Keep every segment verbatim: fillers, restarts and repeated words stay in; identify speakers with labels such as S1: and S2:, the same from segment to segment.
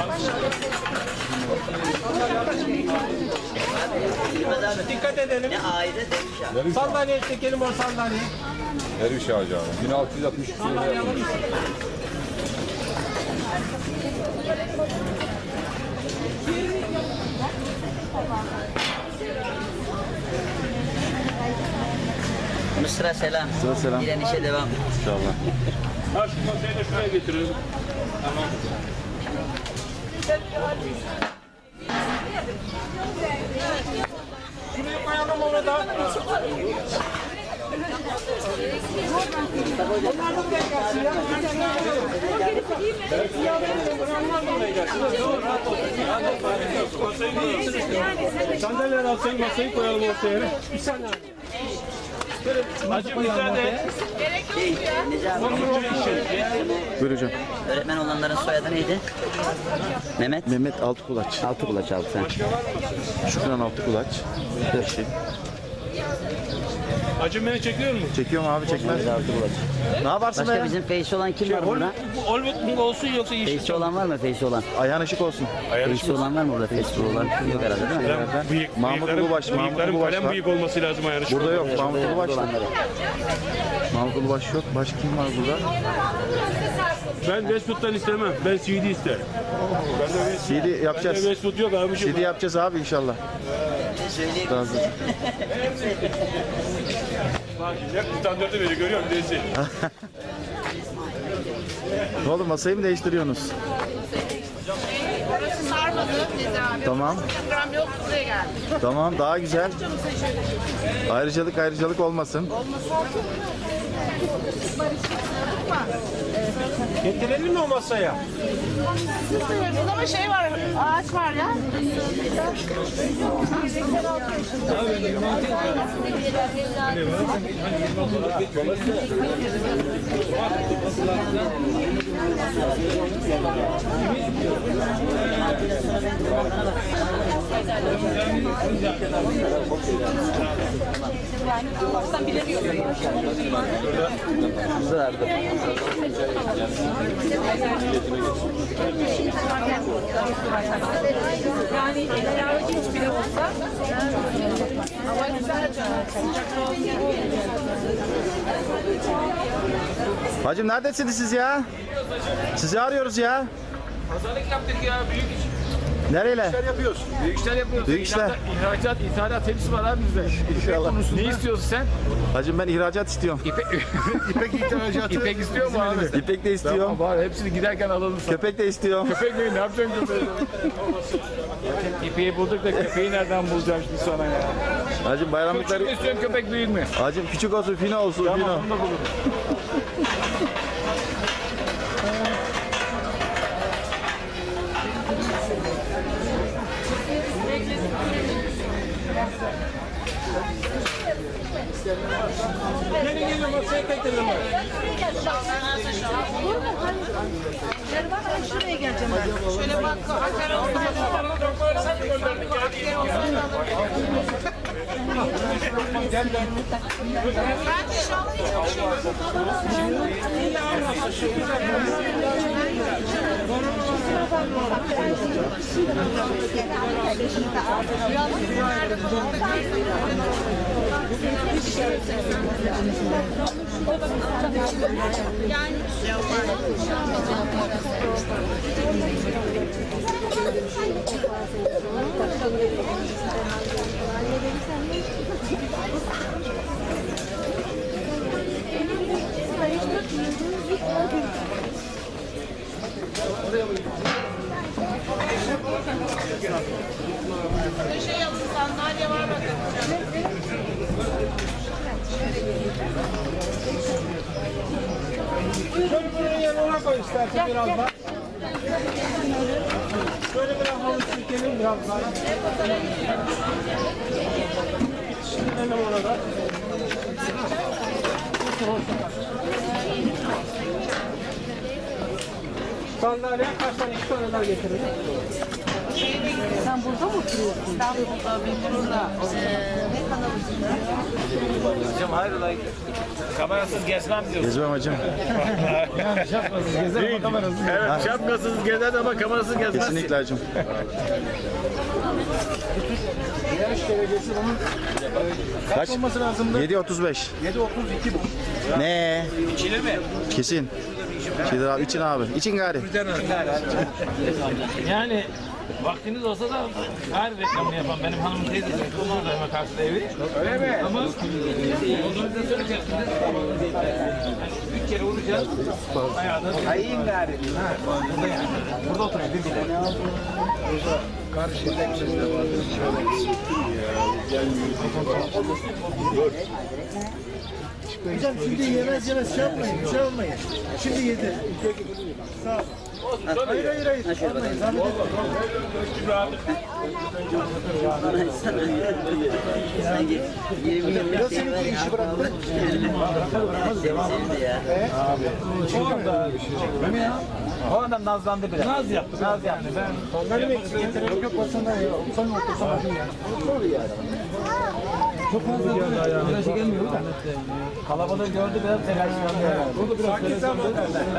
S1: Dikkat edelim.
S2: Ne aile demiş ya.
S1: Sandalye çekelim o sandalyeyi.
S3: Derviş Ağacı abi. bin altı yüz altmış iki
S1: Sandalye alır mısın?
S2: Mısır'a selam.
S4: Mısır'a selam.
S2: Direnişe devam.
S4: İnşallah.
S1: Ha şu masayı da şuraya getirelim. Tamam. Şuraya koyalım onu da. Onlar da buraya gelsin ya. Sandalyeler alsayın masayı koyalım ortaya. Bir saniye. Hacı müsaade.
S4: Buyur hocam.
S2: Öğretmen olanların soyadı neydi? Mehmet.
S4: Mehmet Altıkulaç.
S2: Altıkulaç abi sen.
S4: Şükran Altıkulaç. Eşi.
S1: Hacı beni çekiyor mu?
S4: Çekiyorum abi çekmez.
S2: Altıkulaç.
S4: Ne yaparsın be
S2: Başka
S4: ya?
S2: bizim face olan kim var burada?
S1: Hollywood mu olsun yoksa yeşil?
S2: Face olan var mı? Face olan.
S4: Ayağın ışık olsun.
S2: Face olan var mı burada? Face olan yok herhalde değil mi?
S1: Bıyık,
S4: Mahmut
S1: bıyıkların-
S4: Ulubaş, Mahmut
S1: bıyıkların
S4: Ulubaş
S1: kalem
S4: var.
S1: bıyık olması lazım ayarı.
S4: Burada yok. Mahmut Ulubaş var.
S2: Olanları.
S4: Mahmut Ulubaş yok. Başka kim var burada?
S1: Ben Westwood'dan istemem. Ben C D isterim.
S4: C D
S1: Bende
S4: yapacağız.
S1: Westwood yok abiciğim.
S4: C D yapacağız abi inşallah. Razı.
S1: Bak ne standartı veriyor görüyor musun Desi?
S4: Ne oldu masayı mı değiştiriyorsunuz?
S5: Burası sarmadı dedi abi.
S4: Tamam.
S5: Program yok buraya geldi.
S4: Tamam daha güzel. Ayrıcalık ayrıcalık olmasın.
S1: Getirelim mi o masaya?
S5: Burada ama şey var, ağaç var ya. Yani eğer hiç bile olsa hava güzel.
S4: Hacım neredesiniz siz ya? Sizi arıyoruz ya.
S1: Pazarlık yaptık ya büyük iş.
S4: Nereyle?
S1: yapıyoruz. Büyük işler yapıyoruz.
S4: Büyük işler.
S1: İhracat, ihracat, ithalat hepsi var abi bizde.
S4: İnşallah.
S1: Ne istiyorsun sen?
S4: Hacım ben ihracat istiyorum.
S1: İpek, İpek ihracatı. İpek istiyor mu abi?
S4: İpek de istiyorum.
S1: Tamam var hepsini giderken alalım sana.
S4: Köpek de istiyorum.
S1: Köpek ne? Ne yapacaksın köpeği? İpeği bulduk da köpeği nereden bulacağım şimdi sana ya?
S4: Hacım
S1: Küçük
S4: bayramlıkları...
S1: mü istiyorsun köpek büyük mü?
S4: Hacım küçük olsun, fino olsun,
S1: Tamam
S4: fino.
S1: onu da bulurum. Gelin gelin masaya getirelim.
S5: Şuraya geleceğim ben. Şöyle bak, akar olsun. Ben de şu an şey yapın, sandalye var bakın.
S1: Şöyle bunun yanına koy istersen biraz daha. Şöyle biraz halı çekelim biraz daha. Şimdi orada. Sandalye kaç tane? İki tane daha getirelim.
S5: Sen burada mı oturuyorsun? İstanbul'da, Beyoğlu'nda.
S6: Hocam hayrola kamerasız gezmem diyorsun.
S4: Gezmem hacım.
S6: Şapkasız gezer ama kamerasız gezer. Evet şapkasız gezer ama kamerasız gezmez.
S4: Kesinlikle hacım. Kaç?
S6: Olması lazımdı.
S4: yedi otuz beş.
S6: yedi otuz iki bu.
S4: Ne?
S6: İçilir mi?
S4: Kesin. Şeydir abi, için abi. İçin gari.
S6: Yani vaktiniz olsa da her reklamını yapan benim hanımın teyzesi. Onlar da hemen karşıda evi. Öyle mi? Ama organizasyon içerisinde üç kere vuracağız. Ayağda. Ayın gari. Ha, burada yani. Burada oturuyor bir bile.
S7: Hocam şimdi yemez yemez şey yapmayın, şey olmayın. Şimdi yedi. Sağ ol. Hayır hayır hayır. Almayın, zahmet etmeyin. Biraz seninki işi bıraktı.
S6: O adam nazlandı bile. Naz yaptı. Naz yaptı. Ben
S7: Onları mı eksik getirelim? Yok basana ya. Sen otursan bakayım ya. Olur yani.
S6: çok fazla telaşı gelmiyor da. Kalabalığı gördü biraz telaşlandı. Burada biraz telaşlandı.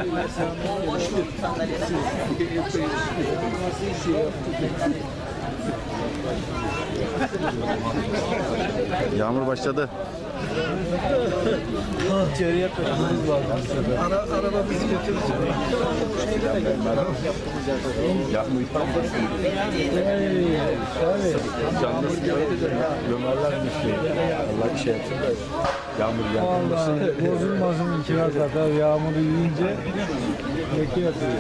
S4: Yağmur başladı.
S7: Ara, araba bizi götürür.
S3: Allah bir şey yapsın da yağmur yağmur.
S7: Bozulmasın kiraz kadar yağmuru yiyince leke yapıyor.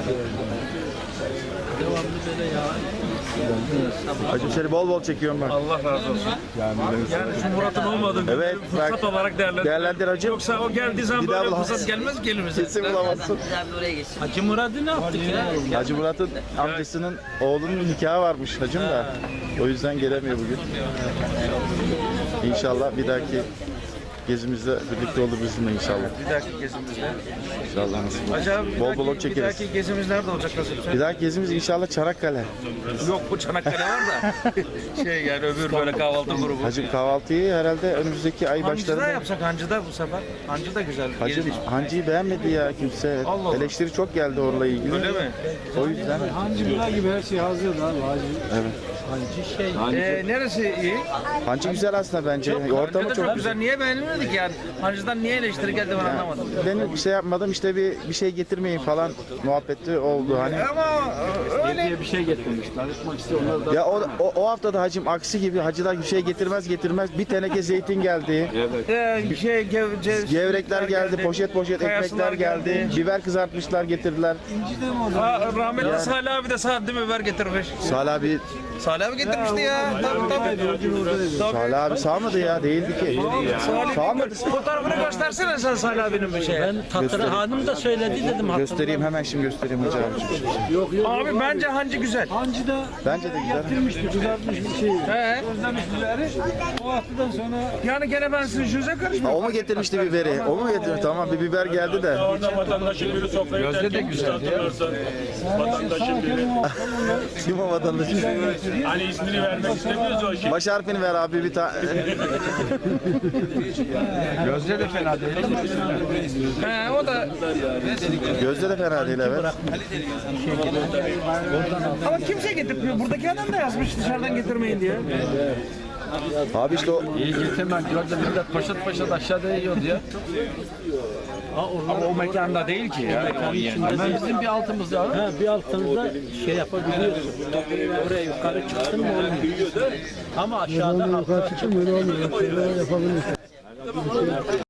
S4: Hacım seni bol bol çekiyorum ben.
S6: Allah razı olsun. Yani şu Murat'ın olmadığı bir
S4: Evet,
S6: fırsat
S4: bak.
S6: olarak değerlendir.
S4: Değerlendir hacım.
S6: Yoksa o geldiği zaman
S4: Bir daha
S6: böyle
S4: bulamaz.
S6: fırsat gelmez gelir bize.
S4: Kesin bulamazsın.
S2: Biz abi oraya geçsin.
S6: Hacı Murat'ı ne yaptık ya?
S4: Hacı Murat'ın amcasının oğlunun nikahı varmış hacım da. O yüzden gelemiyor bugün. İnşallah bir dahaki gezimizde birlikte olur bizimle inşallah.
S6: Bir dahaki gezimizde.
S4: İnşallah nasip olur.
S6: Hacı abi bir
S4: Bol
S6: dahaki,
S4: bol
S6: bir
S4: çekeriz.
S6: dahaki gezimiz nerede olacak nasıl?
S4: Bir dahaki gezimiz inşallah Çanakkale.
S6: Yok bu Çanakkale var da. şey yani öbür böyle kahvaltı grubu.
S4: Hacım kahvaltıyı herhalde önümüzdeki ay
S6: Hancı'da
S4: başlarında.
S6: yapsak Hancı'da bu sefer. Hancı da güzel.
S4: Hacım
S6: Yeridir.
S4: hancıyı beğenmedi ya kimse.
S6: Allah Allah.
S4: Eleştiri çok geldi orayla ilgili.
S6: Öyle mi?
S4: O yüzden.
S7: Hancılar gibi her şey hazır da abi. Hacı.
S4: Evet.
S7: Hancı şey.
S6: Ee, neresi iyi?
S4: Hancı güzel aslında bence.
S6: Hancı
S4: Ortamı
S6: da
S4: çok
S6: çok güzel. Niye beğenilmedik yani? Hancı'dan niye eleştiri geldi ben anlamadım.
S4: Benim bir şey yapmadım işte bir bir şey getirmeyin falan muhabbeti oldu hani.
S6: Ama öyle.
S7: Bir şey getirmişler. Tanıtmak istiyorlar da.
S4: Ya o, o, o hafta da hacım aksi gibi hacılar bir şey getirmez getirmez bir teneke zeytin geldi.
S6: Ee, şey, gev, cev-
S4: Gevrekler geldi, poşet poşet
S6: kayasılar
S4: ekmekler geldi. Biber kızartmışlar getirdiler.
S6: Ha, rahmetli Salih abi de sağ değil mi biber getirmiş.
S4: Salih abi,
S6: Salih abi getirmişti ya. Tabii tabii. Tabii.
S4: Salih abi sağmadı ya değildi ki.
S6: Salih
S4: Sağmadı.
S6: fotoğrafını göstersene sen Salih abinin bir şey. Ben
S7: Tatlı hanım da söyledi dedim.
S4: Göstereyim hemen şimdi göstereyim hacı abi.
S7: Yok yok.
S6: Abi bence hancı güzel.
S7: Hancı da
S4: Bence de güzel.
S7: getirmişti. Kızartmış bir şey.
S6: He.
S7: Özlemiş biberi. O haftadan sonra
S6: Yani gene ben sizin yüzüne
S4: Ha,
S6: karışmıyorum.
S4: o mu getirmişti biberi? O mu getirmiş? Tamam bir biber geldi de.
S1: Orada vatandaşın biri sofrayı terk etmiş hatırlarsan. Vatandaşın biri.
S4: Kim o vatandaş?
S1: Hani ismini vermek istemiyoruz o şey.
S4: Baş harfini ver abi bir tane.
S6: Gözde de fena değil. He o da.
S4: Gözde de fena değil evet.
S6: Ama kimse getirmiyor. Buradaki adam da yazmış dışarıdan getirmeyin diye.
S4: Abi işte o
S8: İyi getirmem. Gördüm millet paşat paşat aşağıda yiyordu ya.
S6: Ama o mekanda değil ki ya.
S8: Hemen bizim bir altımız ya.
S7: ha, bir altınızda şey yapabiliyorsun. Oraya yukarı çıktın mı olmuyor. Ama aşağıda yukarı çıktın mı öyle olmuyor. Yapabilirsin.